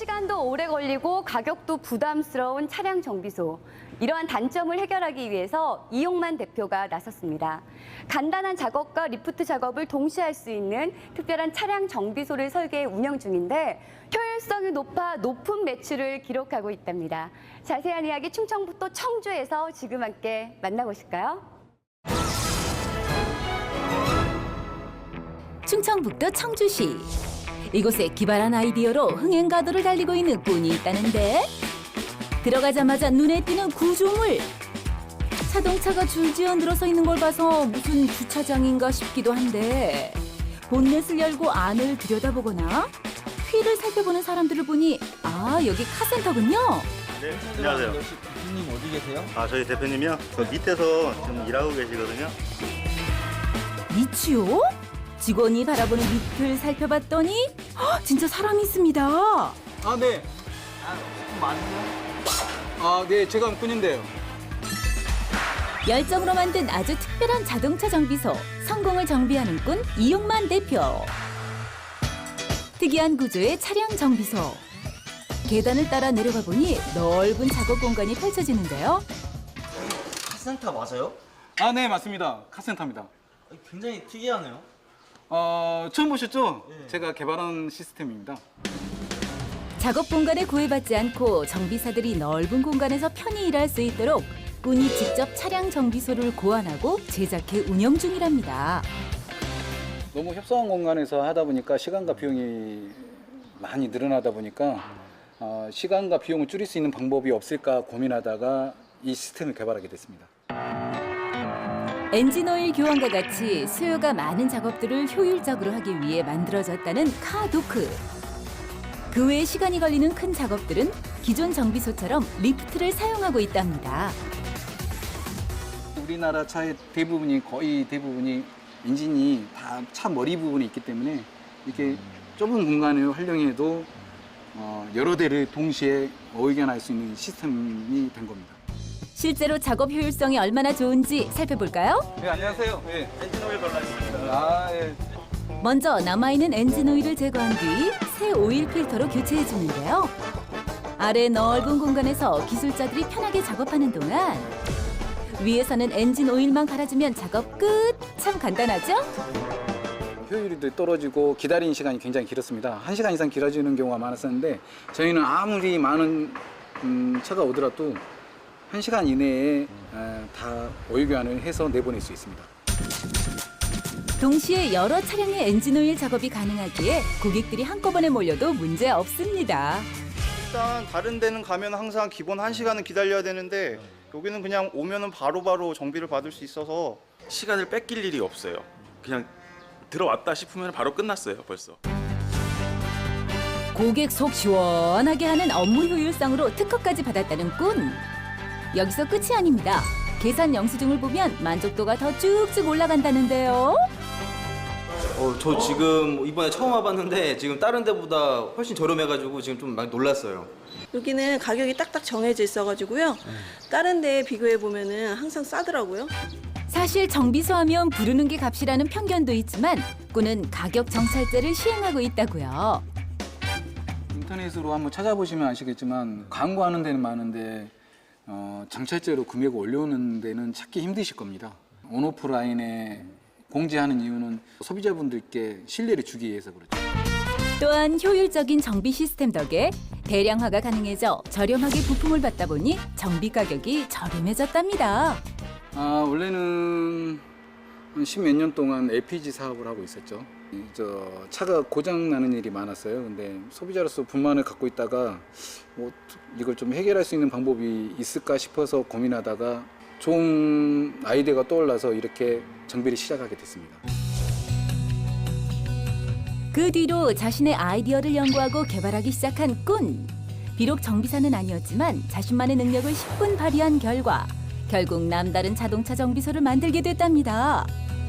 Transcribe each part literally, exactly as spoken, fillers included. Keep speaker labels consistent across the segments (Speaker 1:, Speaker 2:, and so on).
Speaker 1: 시간도 오래 걸리고 가격도 부담스러운 차량 정비소. 이러한 단점을 해결하기 위해서 이용만 대표가 나섰습니다. 간단한 작업과 리프트 작업을 동시에 할 수 있는 특별한 차량 정비소를 설계 운영 중인데 효율성이 높아 높은 매출을 기록하고 있답니다. 자세한 이야기 충청북도 청주에서 지금 함께 만나보실까요?
Speaker 2: 충청북도 청주시. 이곳에 기발한 아이디어로 흥행가도를 달리고 있는 꾼이 있다는데 들어가자마자 눈에 띄는 구조물. 자동차가 줄지어 늘어서 있는 걸 봐서 무슨 주차장인가 싶기도 한데 본넷을 열고 안을 들여다보거나 휠을 살펴보는 사람들을 보니 아, 여기 카센터군요.
Speaker 3: 네, 안녕하세요.
Speaker 4: 대표님 어디 계세요?
Speaker 3: 아, 저희 대표님이요? 저 밑에서 지금 일하고 계시거든요.
Speaker 2: 밑이요? 직원이 바라보는 밑을 살펴봤더니 헉, 진짜 사람이 있습니다.
Speaker 4: 아, 네. 아, 조금 많으세요? 아, 네. 제가 꾼인데요.
Speaker 2: 열정으로 만든 아주 특별한 자동차 정비소, 성공을 정비하는 꾼 이용만 대표. 특이한 구조의 차량 정비소. 계단을 따라 내려가 보니 넓은 작업 공간이 펼쳐지는데요.
Speaker 5: 카센터 맞아요?
Speaker 4: 아, 네. 맞습니다. 카센터입니다.
Speaker 5: 굉장히 특이하네요.
Speaker 4: 어, 처음 보셨죠?
Speaker 5: 네.
Speaker 4: 제가 개발한 시스템입니다.
Speaker 2: 작업 공간에 구애받지 않고 정비사들이 넓은 공간에서 편히 일할 수 있도록 꾼이 직접 차량 정비소를 고안하고 제작해 운영 중이랍니다.
Speaker 4: 너무 협소한 공간에서 하다 보니까 시간과 비용이 많이 늘어나다 보니까 어, 시간과 비용을 줄일 수 있는 방법이 없을까 고민하다가 이 시스템을 개발하게 됐습니다.
Speaker 2: 엔진오일 교환과 같이 수요가 많은 작업들을 효율적으로 하기 위해 만들어졌다는 카도크. 그 외에 시간이 걸리는 큰 작업들은 기존 정비소처럼 리프트를 사용하고 있답니다.
Speaker 4: 우리나라 차의 대부분이 거의 대부분이 엔진이 다 차 머리 부분에 있기 때문에 이렇게 좁은 공간을 활용해도 어, 여러 대를 동시에 의견할 수 있는 시스템이 된 겁니다.
Speaker 2: 실제로 작업 효율성이 얼마나 좋은지 살펴볼까요?
Speaker 4: 네, 안녕하세요. 네.
Speaker 3: 엔진 오일 발라있습니다.
Speaker 4: 아, 예.
Speaker 2: 먼저 남아있는 엔진 오일을 제거한 뒤 새 오일 필터로 교체해 주는데요. 아래 넓은 공간에서 기술자들이 편하게 작업하는 동안 위에서는 엔진 오일만 갈아주면 작업 끝! 참 간단하죠?
Speaker 4: 효율이 떨어지고 기다리는 시간이 굉장히 길었습니다. 한 시간 이상 길어지는 경우가 많았었는데 저희는 아무리 많은 음, 차가 오더라도 한 시간 이내에 에, 다 오일 교환을 해서 내보낼 수 있습니다.
Speaker 2: 동시에 여러 차량의 엔진오일 작업이 가능하기에 고객들이 한꺼번에 몰려도 문제 없습니다.
Speaker 6: 일단 다른 데는 가면 항상 기본 한 시간은 기다려야 되는데 여기는 그냥 오면은 바로바로 정비를 받을 수 있어서
Speaker 7: 시간을 뺏길 일이 없어요. 그냥 들어왔다 싶으면 바로 끝났어요, 벌써.
Speaker 2: 고객 속 시원하게 하는 업무 효율상으로 특허까지 받았다는 꾼. 여기서 끝이 아닙니다. 계산 영수증을 보면 만족도가 더 쭉쭉 올라간다는데요.
Speaker 5: 어, 저 지금 이번에 처음 와봤는데 지금 다른 데보다 훨씬 저렴해가지고 지금 좀 많이 놀랐어요.
Speaker 8: 여기는 가격이 딱딱 정해져 있어가지고요. 다른 데 비교해 보면은 항상 싸더라고요.
Speaker 2: 사실 정비소 하면 부르는 게 값이라는 편견도 있지만 꾼은 가격 정찰제를 시행하고 있다고요.
Speaker 4: 인터넷으로 한번 찾아보시면 아시겠지만 광고하는 데는 많은데 어, 정찰제로 금액을 올려오는 데는 찾기 힘드실 겁니다. 온오프라인에 공지하는 이유는 소비자분들께 신뢰를 주기 위해서 그렇죠.
Speaker 2: 또한 효율적인 정비 시스템 덕에 대량화가 가능해져 저렴하게 부품을 받다 보니 정비 가격이 저렴해졌답니다.
Speaker 4: 아, 원래는 십몇 년 동안 엘피지 사업을 하고 있었죠. 저 차가 고장 나는 일이 많았어요. 근데 소비자로서 불만을 갖고 있다가 뭐 이걸 좀 해결할 수 있는 방법이 있을까 싶어서 고민하다가 좋은 아이디어가 떠올라서 이렇게 정비를 시작하게 됐습니다.
Speaker 2: 그 뒤로 자신의 아이디어를 연구하고 개발하기 시작한 꾼. 비록 정비사는 아니었지만 자신만의 능력을 십 분 발휘한 결과 결국 남다른 자동차 정비소를 만들게 됐답니다.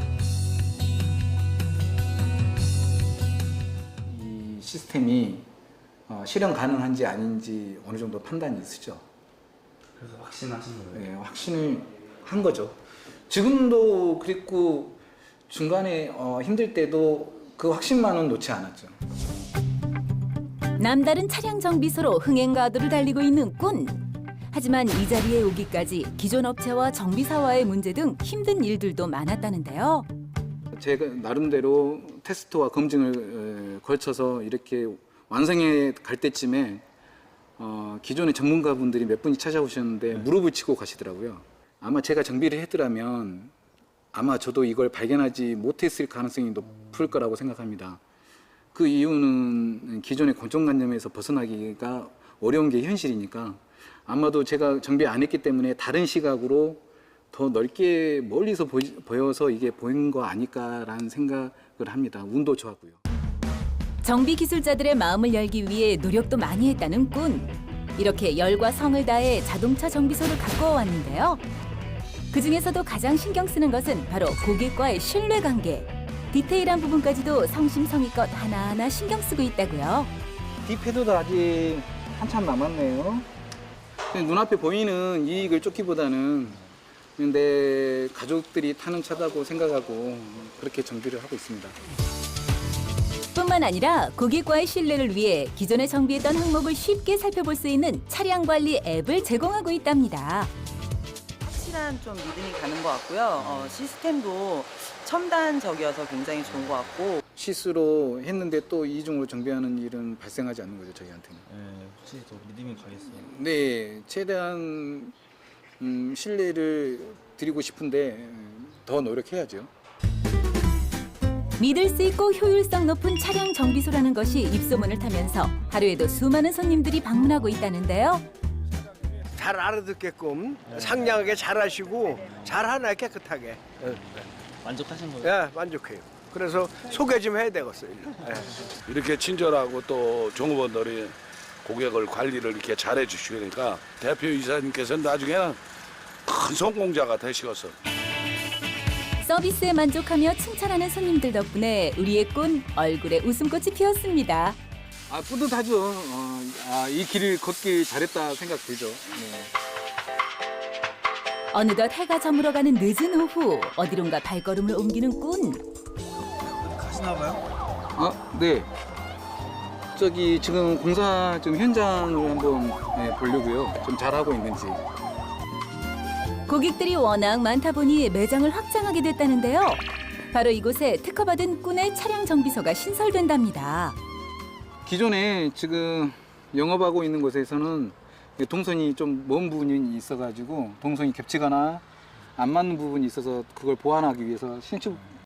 Speaker 4: 이 시스템이 어, 실현 가능한지 아닌지 어느 정도 판단이 있으죠.
Speaker 5: 그래서 확신하신 거예요?
Speaker 4: 네, 확신을 한 거죠. 지금도 그랬고 중간에 어, 힘들 때도 그 확신만은 놓지 않았죠.
Speaker 2: 남다른 차량 정비소로 흥행 가도를 달리고 있는 꾼. 하지만 이 자리에 오기까지 기존 업체와 정비사와의 문제 등 힘든 일들도 많았다는데요.
Speaker 4: 제가 나름대로 테스트와 검증을 에, 걸쳐서 이렇게 완성해 갈 때쯤에 어, 기존의 전문가분들이 몇 분이 찾아오셨는데 무릎을 치고 가시더라고요. 아마 제가 정비를 했더라면 아마 저도 이걸 발견하지 못했을 가능성이 높을 거라고 생각합니다. 그 이유는 기존의 고정관념에서 벗어나기가 어려운 게 현실이니까 아마도 제가 정비 안 했기 때문에 다른 시각으로 더 넓게 멀리서 보이, 보여서 이게 보인 거 아닐까라는 생각을 합니다. 운도 좋았고요.
Speaker 2: 정비 기술자들의 마음을 열기 위해 노력도 많이 했다는 꾼. 이렇게 열과 성을 다해 자동차 정비소를 가꾸어 왔는데요. 그중에서도 가장 신경 쓰는 것은 바로 고객과의 신뢰관계. 디테일한 부분까지도 성심성의껏 하나하나 신경 쓰고 있다고요.
Speaker 4: 뒷패드도 아직 한참 남았네요. 눈앞에 보이는 이익을 쫓기보다는 내 가족들이 타는 차다고 생각하고 그렇게 정비를 하고 있습니다.
Speaker 2: 뿐만 아니라 고객과의 신뢰를 위해 기존에 정비했던 항목을 쉽게 살펴볼 수 있는 차량 관리 앱을 제공하고 있답니다.
Speaker 9: 확실한 좀 믿음이 가는 것 같고요. 어, 시스템도 첨단적이어서 굉장히 좋은 것 같고.
Speaker 4: 실수로 했는데 또 이중으로 정비하는 일은 발생하지 않는 거죠, 저희한테는.
Speaker 5: 네, 확실히 더 믿음이 가겠어요.
Speaker 4: 네, 최대한 음, 신뢰를 드리고 싶은데 더 노력해야죠.
Speaker 2: 믿을 수 있고 효율성 높은 차량 정비소라는 것이 입소문을 타면서 하루에도 수많은 손님들이 방문하고 있다는데요.
Speaker 10: 잘 알아듣게끔 상냥하게 잘하시고 잘하나 깨끗하게.
Speaker 5: 만족하신 거예요?
Speaker 10: 예, 만족해요. 그래서 소개 좀 해야 되겠어요. 예.
Speaker 11: 이렇게 친절하고 또 종업원들이 고객을 관리를 이렇게 잘해 주시니까 대표 이사님께서는 나중에는 큰 성공자가 되시겠어.
Speaker 2: 서비스에 만족하며 칭찬하는 손님들 덕분에 우리의 꾼 얼굴에 웃음꽃이 피었습니다.
Speaker 4: 아, 뿌듯하죠. 어, 아, 이 길을 걷길 잘했다 생각 들죠. 네.
Speaker 2: 어느덧 해가 저물어가는 늦은 오후 어디론가 발걸음을 옮기는 꾼.
Speaker 5: 가시나 봐요?
Speaker 4: 아, 네. 저기 지금 공사 좀 현장을 한번 네, 보려고요. 좀 잘하고 있는지.
Speaker 2: 고객들이 워낙 많다 보니 매장을 확장하게 됐다는데요. 바로 이곳에 특허받은 꾼의 차량 정비소가 신설된답니다.
Speaker 4: 기존에 지금 영업하고 있는 곳에서는 동선이 좀 먼 부분이 있어가지고 동선이 겹치거나 안 맞는 부분이 있어서 그걸 보완하기 위해서 신축